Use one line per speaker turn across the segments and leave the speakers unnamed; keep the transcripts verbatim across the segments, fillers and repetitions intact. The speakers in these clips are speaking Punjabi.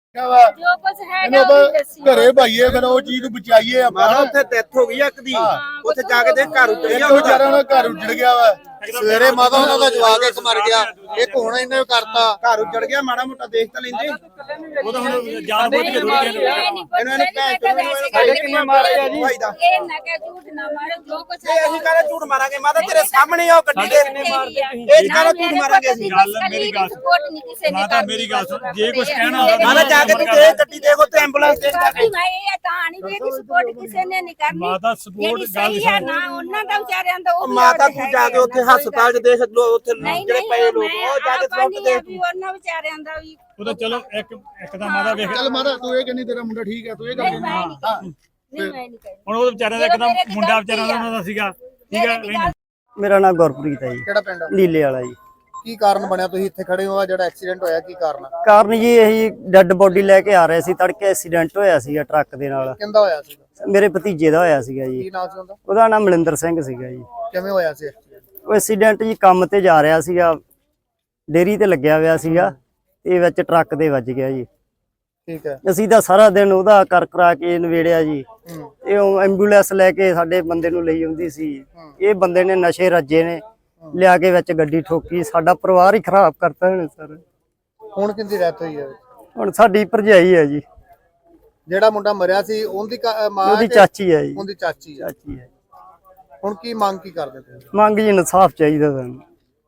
ਜੋ ਕੁਝ ਹੈਗਾ ਉਹ ਦੱਸੀ
ਘਰੇ ਭਾਈਏ ਫਿਰ ਉਹ ਚੀਜ਼ ਨੂੰ ਬਚਾਈਏ ਆਪਾਂ
ਉੱਥੇ ਡੈਥ ਹੋ ਗਈ ਇੱਕ ਦੀ ਉੱਥੇ ਜਾ ਕੇ ਦੇ ਘਰ ਉੱਜੜ ਗਿਆ
ਵਿਚਾਰਾ ਦਾ ਘਰ ਉੱਜੜ ਗਿਆ ਵਾ
ਸਵੇਰੇ ਮਾਤਾ ਉਹਨਾਂ ਦਾ ਜਵਾਕ ਇੱਕ ਮਰ ਗਿਆ ਇੱਕ ਹੁਣ ਇਹਨੇ ਕਰਤਾ ਘਰ ਉੱਜੜ ਗਿਆ ਮਾੜਾ ਮੋਟਾ ਦੇਖ ਤਾਂ ਲੈਂਦੇ
ਉਹ ਤਾਂ ਹੁਣ ਜਾਨ ਬੁੱਝ ਕੇ ਥੋੜੀ
ਇਹਨੂੰ ਇਹਨੂੰ ਭੈਣ ਚੋਦ ਸਾਡੇ ਕਿੰਨੇ ਮਾਰਿਆ ਜੀ
ਇਹ ਨਾ ਕਿ ਝੂਠ ਨਾ ਮਾਰੋ ਜੋ ਕੁਝ
ਇਹ ਅਸੀਂ ਕਹਿੰਦੇ ਝੂਠ ਮਾਰਾਂਗੇ ਮਾਤਾ ਤੇਰੇ ਸਾਹਮਣੇ ਉਹ ਗੱਡੀ ਦੇ ਇਹ ਕਹਿੰਦਾ ਝੂਠ ਮਾਰਾਂਗੇ ਅਸੀਂ
ਗੱਲ ਮੇਰੀ ਗੱਲ
ਸਪੋਰਟ ਨਹੀਂ ਕਿਸੇ ਨੇ
ਮਾਤਾ ਮੇਰੀ ਗੱਲ ਸੁਣ ਜੇ ਕੁਝ ਕਹਿਣਾ
ਮਾਤਾ ਜਾ ਕੇ ਤੂੰ ਦੇ ਗੱਡੀ ਦੇਖੋ ਤੇ ਐਂਬੂਲੈਂਸ ਦੇ
ਕਰਨੀ ਭਾਈ ਇਹ ਤਾਂ ਨਹੀਂ ਵੀ ਇਹਦੀ ਸਪੋਰਟ ਕਿਸੇ ਨੇ ਨਹੀਂ ਕਰਨੀ
ਮਾਤਾ support ਗੱਲ
ਸਹੀ ਹੈ ਨਾ ਉਹਨਾਂ ਦਾ ਵਿਚਾਰਿਆਂ ਦਾ ਉਹ ਵੀ
ਮਾਤਾ
ਯਾਦ
ਤੂੰ ਜਾ ਕੇ ਉੱਥੇ
ਹੈਗਾ
ਹਸਪਤਾਲ 'ਚ ਦੇਖ ਲੋ ਉੱਥੇ
ਨਹੀਂ
ਜਿਹੜੇ ਪਏ ਲੋਕ ਉਹ ਜਾ ਕੇ
ਆਪਾਂ
ਸੁੱਟ
ਨਹੀਂ
ਦੇ
ਆ ਵੀ ਉਹਨਾਂ ਵਿਚਾਰਿਆਂ ਦਾ ਵੀ
ਉਹ ਤਾਂ ਚਲੋ ਇੱਕ ਇੱਕ ਤਾਂ ਮਾਤਾ ਵੇਖ
ਚੱਲ ਮਾਤਾ ਤੂੰ ਇਹ ਕਹਿੰਦੀ ਤੇਰਾ ਮੁੰਡਾ ਠੀਕ ਹੈ ਤੂੰ ਇਹ ਗੱਲ
ਨਹੀਂ ਮੈਂ ਨਹੀਂ ਕਹਿੰਦੀ। ਨਹੀਂ ਮੈਂ ਨਹੀਂ ਕਹਿੰਦੀ।
ਹੁਣ ਉਹ ਵਿਚਾਰਿਆਂ ਦਾ ਇੱਕਦਮ ਮੁੰਡਾ ਵਿਚਾਰਾ ਉਹਨਾਂ ਦਾ ਸੀਗਾ ਠੀਕ ਹੈ
ਮੇਰਾ ਨਾਮ ਗੁਰਪ੍ਰੀਤ ਹੈ ਜੀ,
ਕਿਹੜਾ ਪਿੰਡ ਆ?
ਨੀਲੇ ਵਾਲਾ ਜੀ।
ਕੀ ਕਾਰਨ ਬਣਿਆ ਤੁਸੀਂ ਇੱਥੇ ਖੜੇ ਹੋ ਆ ਜਿਹੜਾ ਐਕਸੀਡੈਂਟ ਹੋਇਆ ਕੀ ਕਾਰਨ ਆ?
ਕਾਰਨ ਜੀ ਇਹੀ ਡੈੱਡ ਬੋਡੀ ਲੈ ਕੇ ਆ ਰਹੇ ਸੀ, ਤੜਕੇ ਐਕਸੀਡੈਂਟ ਹੋਇਆ ਸੀਗਾ ਟਰੱਕ ਦੇ ਨਾਲ।
ਕਿੰਦਾ ਹੋਇਆ ਸੀ?
ਮੇਰੇ ਭਤੀਜੇ ਦਾ ਹੋਇਆ ਸੀਗਾ ਜੀ।
ਕੀ ਨਾਮ ਸੀ ਉਹਦਾ?
ਉਹਦਾ ਨਾਮ ਮਲਿੰਦਰ ਸਿੰਘ ਸੀਗਾ ਜੀ।
ਕਿਵੇਂ ਹੋਇਆ ਸੀ accident?
ਉਹ ਐਕਸੀਡੈਂਟ ਜੀ ਕੰਮ ਤੇ ਜਾ ਰਿਹਾ ਸੀਗਾ, ਡੇਰੀ ਤੇ ਲੱਗਿਆ ਹੋਇਆ ਸੀਗਾ ਤੇ ਵਿੱਚ ਟਰੱਕ ਦੇ ਵੱਜ ਗਿਆ ਜੀ।
ਠੀਕ ਹੈ।
ਅਸੀਂ ਤਾਂ ਸਾਰਾ ਦਿਨ ਉਹਦਾ ਕਰ ਕਰਾ ਕੇ ਨਵੇੜਿਆ ਜੀ। ਇਹ ਉਹ ਐਂਬੂਲੈਂਸ ਲੈ ਕੇ ਸਾਡੇ ਬੰਦੇ ਨੂੰ ਲਈ ਆਉਂਦੀ ਸੀ। ਇਹ ਬੰਦੇ ਨੇ ਨਸ਼ੇ ਰੱਜੇ ਨੇ ਲਿਆ ਕੇ ਵਿੱਚ ਗੱਡੀ ਠੋਕੀ, ਸਾਡਾ ਪਰਿਵਾਰ ਹੀ ਖਰਾਬ ਕਰਤਾ ਇਹਨੇ ਸਰ।
ਹੁਣ ਕਿੰਦੀ ਡੈਥ ਹੋਈ ਹੈ?
ਹੁਣ ਸਾਡੀ ਭਰਜਾਈ ਹੈ ਜੀ,
ਜਿਹੜਾ ਮੁੰਡਾ ਮਰਿਆ ਸੀ ਉਹਦੀ ਕਾ- ਮਾਂ
ਉਹਦੀ
ਕਿ
ਚਾਚੀ ਹੈ ਜੀ।
ਉਹਦੀ ਚਾਚੀ ਹੈ।
ਚਾਚੀ ਹੈ।
ਹੁਣ ਕੀ ਮੰਗ ਕੀ ਕਰਦੇ ਤੁਸੀਂ?
ਮੰਗ ਜੀ ਇਨਸਾਫ ਚਾਹੀਦਾ ਸਾਨੂੰ।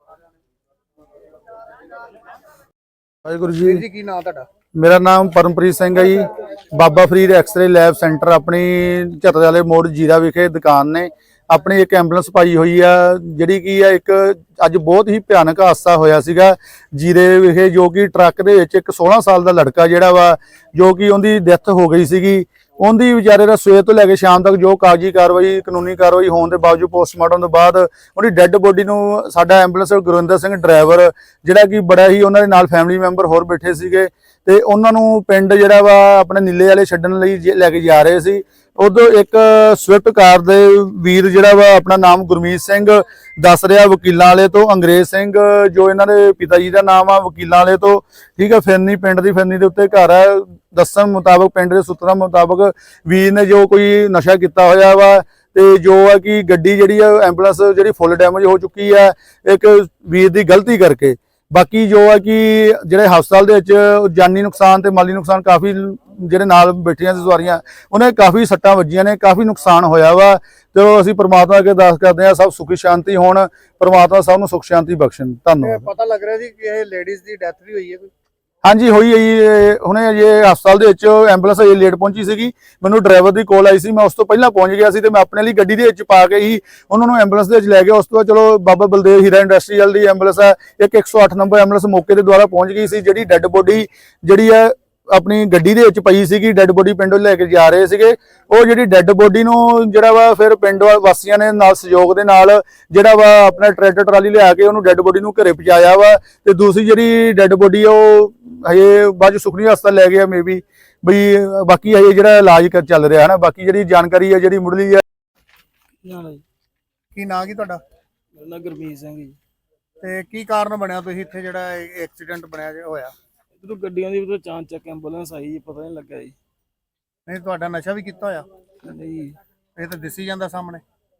ਵਾਹਿਗੁਰੂ
ਵੀਰ
ਜੀ,
ਜੀ ਕੀ ਨਾਮ ਤੁਹਾਡਾ?
ਮੇਰਾ ਨਾਮ ਪਰਮਪ੍ਰੀਤ ਸਿੰਘ ਹੈ ji. Baba Farid x-ray lab centre ਆਪਣੀ ਝੱਤਰ ਵਾਲੇ ਮੋੜ ਜੀਰਾ ਵਿਖੇ ਦੁਕਾਨ ਨੇ। ਆਪਣੀ ਇੱਕ ਐਂਬੂਲੈਂਸ ਪਾਈ ਹੋਈ ਆ ਜਿਹੜੀ ਕੀ ਆ ਇੱਕ ਅੱਜ ਬਹੁਤ ਹੀ ਭਿਆਨਕ ਹਾਦਸਾ ਹੋਇਆ ਸੀਗਾ ਜੀਰੇ ਵਿਖੇ, ਜੋ ਕਿ ਟਰੱਕ ਦੇ ਵਿੱਚ ਇੱਕ ਸੋਲਾਂ ਸਾਲ ਦਾ ਲੜਕਾ ਜਿਹੜਾ ਵਾ ਜੋ ਕਿ ਉਹਦੀ ਡੈਥ ਹੋ ਗਈ ਸੀਗੀ। ਉਹਦੀ ਵਿਚਾਰੇ ਦਾ ਸਵੇਰ ਤੋਂ ਲੈ ਕੇ ਸ਼ਾਮ ਤੱਕ ਜੋ ਕਾਗਜ਼ੀ ਕਾਰਵਾਈ ਕਾਨੂੰਨੀ ਕਾਰਵਾਈ ਹੋਣ ਦੇ ਬਾਵਜੂਦ ਪੋਸਟਮਾਰਟਮ ਤੋਂ ਬਾਅਦ ਉਹਦੀ ਡੈੱਡ ਬੋਡੀ ਨੂੰ ਸਾਡਾ ਐਂਬੂਲੈਂਸ ਗੁਰਵਿੰਦਰ ਸਿੰਘ ਡਰਾਈਵਰ ਜਿਹੜਾ ਕਿ ਬੜਾ ਹੀ ਉਹਨਾਂ ਦੇ ਨਾਲ ਫੈਮਿਲੀ ਮੈਂਬਰ ਹੋਰ ਬੈਠੇ ਸੀਗੇ ਤੇ ਉਹਨਾਂ ਨੂੰ ਪਿੰਡ ਜਿਹੜਾ ਵਾ ਆਪਣੇ ਨੀਲੇ ਵਾਲੇ ਛੱਡਣ ਲਈ ਲੈ ਕੇ ਜਾ ਰਹੇ ਸੀ। ਉਦੋਂ ਇੱਕ ਸਵਿਫਟ ਕਾਰ ਦੇ ਵੀਰ ਜਿਹੜਾ ਵਾ ਆਪਣਾ ਨਾਮ ਗੁਰਮੀਤ ਸਿੰਘ ਦੱਸ ਰਿਹਾ ਵਕੀਲਾਂ ਵਾਲੇ ਤੋਂ, ਅੰਗਰੇਜ਼ ਸਿੰਘ ਜੋ ਇਹਨਾਂ ਦੇ ਪਿਤਾ ਜੀ ਦਾ ਨਾਮ ਆ ਵਕੀਲਾਂ ਵਾਲੇ ਤੋਂ, ਠੀਕ ਹੈ, ਫਿਰਨੀ ਪਿੰਡ ਦੀ ਫਿਰਨੀ ਦੇ ਉੱਤੇ ਘਰ ਹੈ। ਦੱਸਣ ਮੁਤਾਬਕ ਪਿੰਡ ਦੇ ਸੂਤਰਾਂ ਮੁਤਾਬਕ ਵੀਰ ਨੇ ਜੋ ਕੋਈ ਨਸ਼ਾ ਕੀਤਾ ਹੋਇਆ ਵਾ ਤੇ ਜੋ ਹੈ ਕਿ ਗੱਡੀ ਜਿਹੜੀ ਆ ਐਂਬੂਲੈਂਸ ਜਿਹੜੀ ਫੁੱਲ ਡੈਮੇਜ ਹੋ ਚੁੱਕੀ ਹੈ ਇੱਕ ਵੀਰ ਦੀ ਗਲਤੀ ਕਰਕੇ। ਬਾਕੀ ਜੋ ਹੈ ਕਿ ਜਿਹੜੇ ਹਸਪਤਾਲ ਦੇ ਵਿੱਚ ਜਾਨੀ ਨੁਕਸਾਨ ਤੇ ਮਾਲੀ ਨੁਕਸਾਨ ਕਾਫੀ ਜਿਹੜੇ ਨਾਲ ਬੈਠੀਆਂ ਸੀ ਸਵਾਰੀਆਂ ਉਹਨੇ ਕਾਫੀ ਸੱਟਾਂ ਵੱਜੀਆਂ ਨੇ, ਕਾਫੀ ਨੁਕਸਾਨ ਹੋਇਆ ਵਾ। ਤੇ ਅਸੀਂ ਪ੍ਰਮਾਤਮਾ ਅੱਗੇ ਅਰਦਾਸ ਕਰਦੇ ਹਾਂ ਸਭ ਸੁਖੀ ਸ਼ਾਂਤੀ ਹੋਣ, ਪ੍ਰਮਾਤਮਾ ਸਭ ਨੂੰ ਸੁਖ ਸ਼ਾਂਤੀ ਬਖਸ਼ਣ। ਧੰਨਵਾਦ।
ਪਤਾ ਲੱਗ ਰਿਹਾ ਸੀ ਕਿ ਇਹ ਲੇਡੀਜ਼ ਦੀ ਡੈਥ ਵੀ ਹੋਈ ਹੈ ਕੋਈ?
ਹਾਂਜੀ ਹੋਈ ਹੈ ਜੀ। ਹੁਣੇ ਅਜੇ ਹਸਪਤਾਲ ਦੇ ਵਿੱਚ ਐਂਬੂਲੈਂਸ ਅਜੇ ਲੇਟ ਪਹੁੰਚੀ ਸੀਗੀ, ਮੈਨੂੰ ਡਰਾਈਵਰ ਦੀ ਕਾਲ ਆਈ ਸੀ, ਮੈਂ ਉਸ ਤੋਂ ਪਹਿਲਾਂ ਪਹੁੰਚ ਗਿਆ ਸੀ ਤੇ ਮੈਂ ਆਪਣੇ ਲਈ ਗੱਡੀ ਦੇ ਵਿੱਚ ਪਾ ਕੇ ਹੀ ਉਹਨਾਂ ਨੂੰ ਐਂਬੂਲੈਂਸ ਦੇ ਵਿੱਚ ਲੈ ਗਿਆ। ਉਸ ਤੋਂ ਬਾਅਦ ਚਲੋ ਬਾਬਾ ਬਲਦੇਵ ਹੀਰਾ ਇੰਡਸਟਰੀਅਲ ਦੀ ਐਂਬੂਲੈਂਸ ਹੈ, ਇੱਕ ਇੱਕ ਸੌ ਅੱਠ ਨੰਬਰ ਐਂਬੂਲੈਂਸ ਮੌਕੇ ਦੇ ਦੁਆਰਾ ਪਹੁੰਚ ਗਈ ਸੀ। ਜਿਹੜੀ ਡੈੱਡ ਬੋਡੀ ਜਿਹੜੀ ਹੈ ਆਪਣੀ ਗੱਡੀ ਦੇ ਵਿੱਚ ਪਈ ਸੀਗੀ, ਡੈੱਡ ਬੋਡੀ ਪਿੰਡੋਂ ਲੈ ਕੇ ਜਾ ਰਹੇ ਸੀਗੇ। ਉਹ ਜਿਹੜੀ ਡੈੱਡ ਬੋਡੀ ਨੂੰ ਜਿਹੜਾ ਵਾ ਫਿਰ ਪਿੰਡ ਵਾਸੀਆਂ ਨੇ ਨਾਲ ਸਹਿਯੋਗ ਦੇ ਨਾਲ ਜਿਹੜਾ ਵਾ ਆਪਣਾ ਟਰੈਕਟਰ ਟਰਾਲੀ ਲਿਆ ਕੇ ਉਹਨੂੰ ਡੈੱਡ ਬੋਡੀ ਨੂੰ ਘਰੇ ਪਹੁੰਚਾਇਆ ਵਾ। ਤੇ ਦੂਸਰੀ ਜਿਹੜੀ ਡੈੱਡ ਬੋਡੀ ਉਹ ਹਜੇ ਬਾਅਦ ਸੁਖਨੀ ਹਸਪਤਾਲ ਲੈ ਗਿਆ ਮੇ ਬੀ ਬਈ, ਬਾਕੀ ਹਜੇ ਜਿਹੜਾ ਇਲਾਜ ਚੱਲ ਰਿਹਾ ਹੈ ਨਾ। ਬਾਕੀ ਜਿਹੜੀ ਜਾਣਕਾਰੀ ਹੈ ਜਿਹੜੀ ਮੁੱਢਲੀ ਹੈ।
ਕੀ ਨਾਂ ਕੀ ਤੁਹਾਡਾ?
ਮੇਰਾ ਨਾਮ ਗੁਰਮੀਤ ਸਿੰਘ ਜੀ।
ਤੇ ਕੀ ਕਾਰਨ ਬਣਿਆ ਤੁਸੀਂ ਇੱਥੇ ਜਿਹੜਾ ਐਕਸੀਡੈਂਟ ਬਣਿਆ ਜੇ ਹੋਇਆ?
ਜਦੋਂ ਗੱਡੀਆਂ ਦੀ ਉਦੋਂ ਚਾਂਚ ਚੱਕ ਐਂਬੂਲੈਂਸ ਆਈ ਜੀ, ਪਤਾ ਨਹੀਂ ਲੱਗਾ ਜੀ।
ਨਹੀਂ ਤੁਹਾਡਾ ਨਸ਼ਾ ਵੀ ਕੀਤਾ ਹੋਇਆ?
ਨਹੀਂ
ਇਹ ਤਾਂ ਦਿਸੀ ਜਾਂਦਾ ਸਾਹਮਣੇ।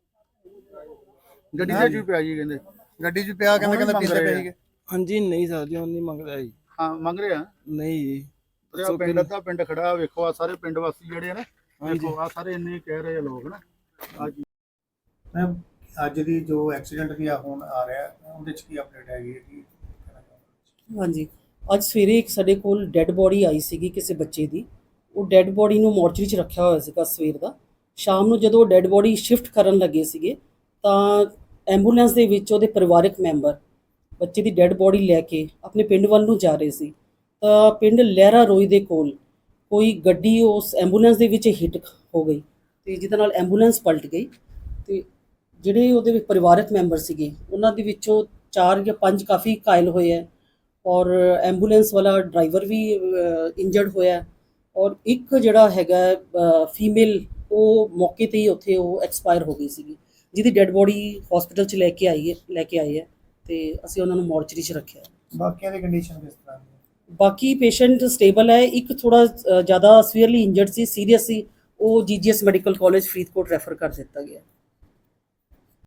ਗੱਡੀ ਦੇ ਵਿੱਚ ਪਿਆ ਜੀ ਕਹਿੰਦੇ,
ਗੱਡੀ 'ਚ ਪਿਆ ਕਹਿੰਦੇ ਕਹਿੰਦੇ ਪੀਂਦੇ ਪਏ ਸੀਗੇ।
ਹਾਂਜੀ ਨਹੀਂ ਸਰ ਜੀ, ਉਹ ਨਹੀਂ ਮੰਗਦਾ ਜੀ।
ਹਾਂ ਮੰਗ ਰਿਹਾ
ਨਹੀਂ ਜੀ।
ਪਿੰਡ ਅੱਧਾ ਪਿੰਡ ਖੜਾ ਵੇਖੋ, ਆ ਸਾਰੇ ਪਿੰਡ ਵਾਸੀ ਜਿਹੜੇ ਆ ਨਾ ਵੇਖੋ, ਆ ਸਾਰੇ ਇੰਨੇ ਕਹਿ ਰਹੇ ਆ ਲੋਕ ਨਾ।
ਮੈਮ ਅੱਜ ਦੀ ਜੋ ਐਕਸੀਡੈਂਟ ਦੀ ਹੁਣ ਆ ਰਿਹਾ ਉਹਦੇ 'ਚ ਕੀ ਅਪਡੇਟ ਹੈਗੀ? ਕੀ
ਹਾਂਜੀ, ਅੱਜ ਸਵੇਰੇ ਇੱਕ ਸਾਡੇ ਕੋਲ ਡੈੱਡ ਬੋਡੀ ਆਈ ਸੀਗੀ ਕਿਸੇ ਬੱਚੇ ਦੀ। ਉਹ ਡੈੱਡ ਬੋਡੀ ਨੂੰ ਮੋਰਚਰੀ 'ਚ ਰੱਖਿਆ ਹੋਇਆ ਸੀਗਾ ਸਵੇਰ ਦਾ। ਸ਼ਾਮ ਨੂੰ ਜਦੋਂ ਡੈੱਡ ਬੋਡੀ ਸ਼ਿਫਟ ਕਰਨ ਲੱਗੇ ਸੀਗੇ ਤਾਂ ਐਂਬੂਲੈਂਸ ਦੇ ਵਿੱਚ ਉਹਦੇ ਪਰਿਵਾਰਕ ਮੈਂਬਰ ਬੱਚੇ ਦੀ ਡੈੱਡ ਬੋਡੀ ਲੈ ਕੇ ਆਪਣੇ ਪਿੰਡ ਵੱਲ ਨੂੰ ਜਾ ਰਹੇ ਸੀ ਤਾਂ ਪਿੰਡ ਲਹਿਰਾ ਰੋਈ ਦੇ ਕੋਲ ਕੋਈ ਗੱਡੀ ਉਸ ਐਂਬੂਲੈਂਸ ਦੇ ਵਿੱਚ ਹਿੱਟ ਹੋ ਗਈ ਤੇ ਜਿਹਦੇ ਨਾਲ ਐਂਬੂਲੈਂਸ ਪਲਟ ਗਈ। ਤੇ ਜਿਹੜੇ ਉਹਦੇ ਵਿੱਚ ਪਰਿਵਾਰਕ ਮੈਂਬਰ ਸੀਗੇ ਉਹਨਾਂ ਦੇ ਵਿੱਚੋਂ ਚਾਰ ਜਾਂ ਪੰਜ ਕਾਫੀ ਘਾਇਲ ਹੋਏ ਹੈ ਔਰ ਐਂਬੂਲੈਂਸ ਵਾਲਾ ਡਰਾਈਵਰ ਵੀ ਇੰਜਰਡ ਹੋਇਆ ਔਰ ਇੱਕ ਜਿਹੜਾ ਹੈਗਾ ਫੀਮੇਲ ਉਹ ਮੌਕੇ ਤੇ ਹੀ ਉੱਥੇ ਉਹ ਐਕਸਪਾਇਰ ਹੋ ਗਈ ਸੀਗੀ, ਜਿਹਦੀ ਡੈੱਡ ਬੋਡੀ ਹਸਪੀਟਲ 'ਚ ਲੈ ਕੇ ਆਈ ਹੈ ਲੈ ਕੇ ਆਏ ਹੈ ਤੇ ਅਸੀਂ ਉਹਨਾਂ ਨੂੰ ਮੋਰਚਰੀ 'ਚ ਰੱਖਿਆ।
ਬਾਕੀਆਂ ਦੀ ਕੰਡੀਸ਼ਨ ਕਿਸ ਤਰ੍ਹਾਂ?
ਬਾਕੀ ਪੇਸ਼ੈਂਟ ਸਟੇਬਲ ਹੈ, ਇੱਕ ਥੋੜਾ ਜ਼ਿਆਦਾ ਸੀਵੀਅਰਲੀ ਇੰਜਰਡ ਸੀ, ਸੀਰੀਅਸ ਸੀ, ਉਹ GGS medical college Faridkot refer ਕਰ ਦਿੱਤਾ ਗਿਆ।